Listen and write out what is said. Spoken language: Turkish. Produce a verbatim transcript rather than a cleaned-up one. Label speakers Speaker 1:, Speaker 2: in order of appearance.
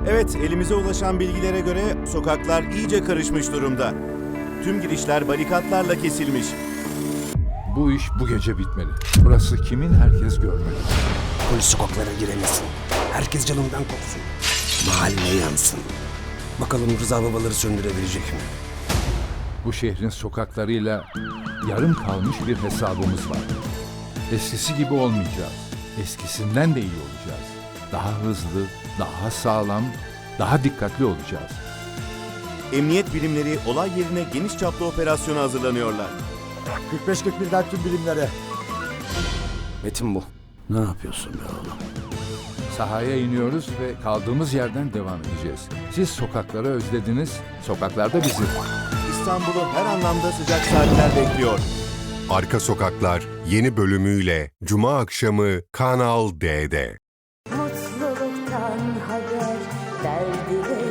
Speaker 1: Evet, elimize ulaşan bilgilere göre sokaklar iyice karışmış durumda. Tüm girişler barikatlarla kesilmiş.
Speaker 2: Bu iş bu gece bitmeli. Burası kimin herkes görmeli.
Speaker 3: Polis sokaklara giremesin. Herkes canından korksun. Mahalle yansın. Bakalım Rıza babaları söndürebilecek mi?
Speaker 2: Bu şehrin sokaklarıyla yarım kalmış bir hesabımız var. Eskisi gibi olmayacağız. Eskisinden de iyi olacağız. Daha hızlı, daha sağlam, daha dikkatli olacağız.
Speaker 1: Emniyet birimleri olay yerine geniş çaplı operasyona hazırlanıyorlar.
Speaker 4: kırk beş kırk birden tüm birimlere.
Speaker 3: Metin bu. Ne yapıyorsun be oğlum?
Speaker 2: Sahaya iniyoruz ve kaldığımız yerden devam edeceğiz. Siz sokakları özlediniz, sokaklarda bizi.
Speaker 1: İstanbul'u her anlamda sıcak saatler bekliyor.
Speaker 5: Arka Sokaklar yeni bölümüyle Cuma akşamı Kanal D'de.
Speaker 6: Mutluluktan haber, derdi ve